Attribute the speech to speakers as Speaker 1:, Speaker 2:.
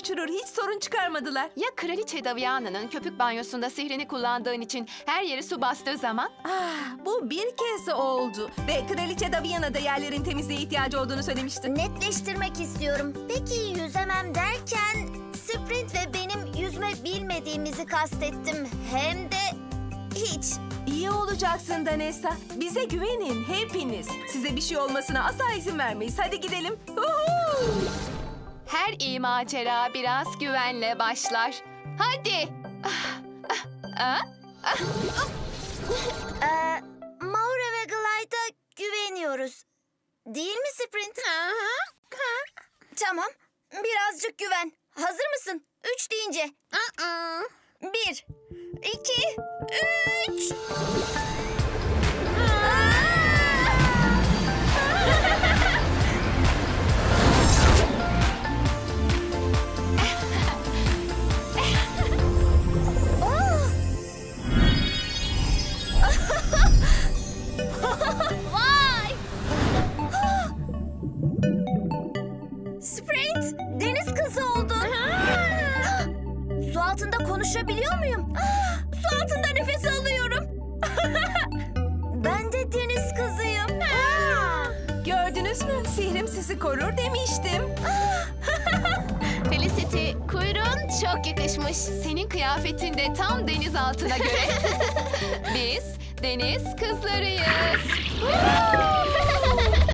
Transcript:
Speaker 1: uçurur. Hiç sorun çıkarmadılar.
Speaker 2: Ya Kraliçe Daviana'nın köpük banyosunda sihrini kullandığın için her yeri su bastığı zaman?
Speaker 1: Bu bir kez oldu. Ve Kraliçe Daviana da yerlerin temizliğe ihtiyacı olduğunu söylemişti.
Speaker 3: Netleştirmek istiyorum. Peki yüzemem derken Sprint ve benim yüzme bilmediğimizi kastettim. Hem de hiç.
Speaker 1: İyi olacaksın Danessa. Bize güvenin hepiniz. Size bir şey olmasına asla izin vermeyiz. Hadi gidelim. Uhu!
Speaker 2: Her iyi macera biraz güvenle başlar. Hadi.
Speaker 3: Maura ve Glide'a güveniyoruz. Değil mi Sprint? Tamam. Birazcık güven. Hazır mısın? 3 deyince. 1, 2, 3. Vay! Sprint, deniz kızı oldun. Su altında konuşabiliyor muyum? Su altında nefes alıyorum. Ben de deniz kızıyım.
Speaker 1: Gördünüz mü? Sihrim sizi korur demiştim.
Speaker 2: Felicity, kuyruğun çok yakışmış. Senin kıyafetin de tam deniz altına göre. Biz deniz kızlarıyız.